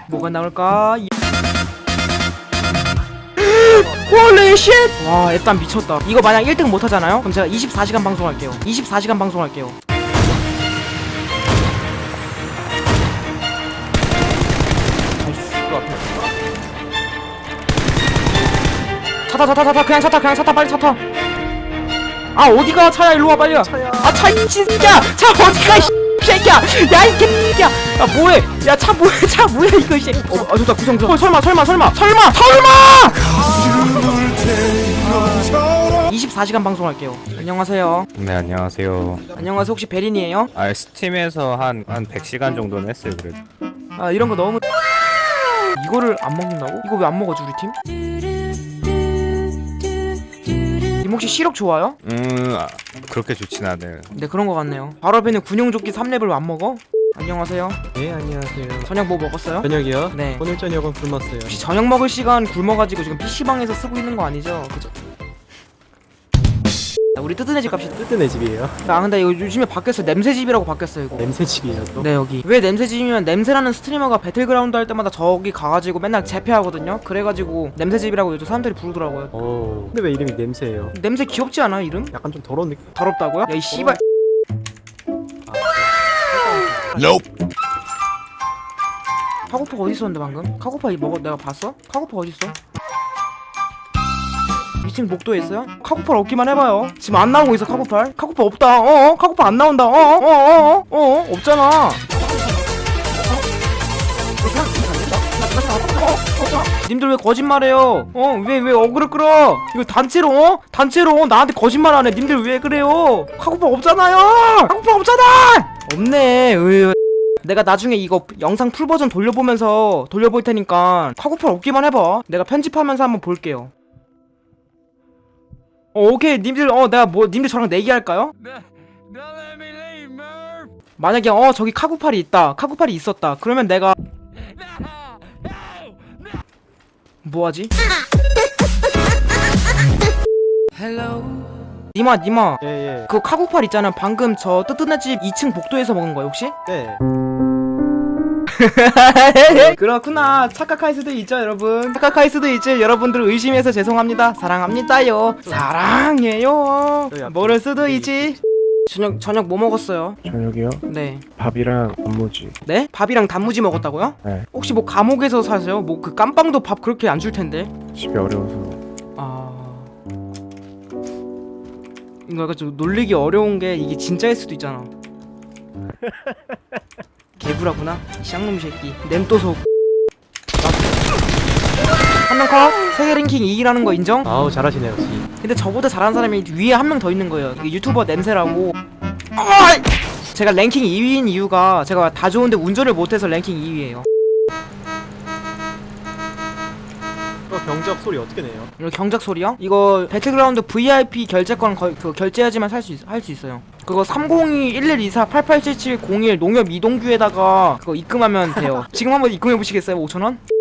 뭐가 나올까? 홀리 쉣! 와, 일단 미쳤다. 이거 만약 1등 못하잖아요? 그럼 제가 24시간 방송할게요. 24시간 방송할게요. 차타 그냥 차타 빨리 차타. 아, 어디가 차야? 일로와 빨리. 차야. 아, 차 이 새끼야. 차 어디가 이 새끼야. 야, 이 개새끼야. 야, 뭐해? 야, 차 뭐야 이거 이 새끼. 좋다. 구성. 설마. 24시간 방송할게요. 안녕하세요. 네, 안녕하세요. 안녕하세요. 혹시 베린이에요? 아, 스팀에서 한 100시간 정도는 했어요, 그래도. 아, 이런 거 너무 이거를 안 먹는다고? 이거 왜 안 먹어지 우리 팀? 님 혹시 시력 좋아요? 아, 그렇게 좋진 않아요. 네, 그런 거 같네요. 바로 앞에는 군용조끼 3렙을 왜 안 먹어? 안녕하세요. 네, 안녕하세요. 저녁 뭐 먹었어요? 저녁이요? 네. 오늘 저녁은 굶었어요. 혹시 저녁 먹을 시간 굶어가지고 지금 PC방에서 쓰고 있는 거 아니죠? 그죠? 우리 뜨뜻해 집 갑시다. 뜨뜻해 집이에요. 아, 근데 이거 요즘에 바뀌었어요. 냄새집이라고 바뀌었어요 이거. 냄새 집이에요 또. 네, 여기. 왜 냄새집이면 냄새라는 스트리머가 배틀그라운드 할 때마다 저기 가가지고 맨날 재패하거든요. 그래가지고 냄새집이라고 요즘 사람들이 부르더라고요. 오. 근데 왜 이름이 냄새예요? 냄새 귀엽지 않아 이름? 약간 좀 더러운 느낌. 더럽다고요? 야, 이 씨발. 카고파 어디 있었는데 방금? 카고파 먹어 내가 봤어? 카고파 어디 있어? 2층 복도에 있어요? 카고팔 없기만 해봐요. 지금 안 나오고 있어 카고팔. 카고팔 없다. 카고팔 안 나온다. 없잖아. 님들 왜 거짓말해요? 왜 어그를 끌어? 이거 단체로 나한테 거짓말하네. 님들 왜 그래요? 카고팔 없잖아요. 카고팔 없잖아. 없네. 내가 나중에 이거 영상 풀버전 돌려보면서 돌려볼 테니까 카고팔 없기만 해봐. 내가 편집하면서 한번 볼게요. 오케이. 님들 님들 저랑 내기할까요? 만약에 저기 카구팔이 있다. 카구팔이 있었다. 그러면 내가 뭐하지? 니마 예. 그 카구팔 있잖아. 방금 저 뜨뜻한 집 2층 복도에서 먹은 거야 혹시? 네. 그렇구나. 착각할 수도 있죠 여러분. 착각할 수도 있지. 여러분들 의심해서 죄송합니다. 사랑합니다요. 사랑해요. 모를 수도 있지. 저녁 뭐 먹었어요? 저녁이요? 네. 밥이랑 단무지. 네? 밥이랑 단무지 먹었다고요? 네. 혹시 뭐 감옥에서 사세요? 뭐 그 깜빵도 밥 그렇게 안 줄 텐데. 집이 어려워서. 이거 약간 좀 놀리기 어려운 게 이게 진짜일 수도 있잖아. 개구라구나. 쌍놈 새끼. 냄또소. 한명 컷. 세계 랭킹 2위라는 거 인정? 아우 잘하시네요 역시. 근데 저보다 잘하는 사람이 위에 한 명 더 있는 거예요. 이게 유튜버 냄새라고. 제가 랭킹 2위인 이유가 제가 다 좋은데 운전을 못해서 랭킹 2위예요. 경적 소리 어떻게 내요? 이거 경작 소리요? 이거 배틀그라운드 VIP 결제권 그 결제하지만 할 수 있어요. 그거 302-1124-887701 농협 이동규에다가 그거 입금하면 돼요. 지금 한번 입금해 보시겠어요? 5,000원?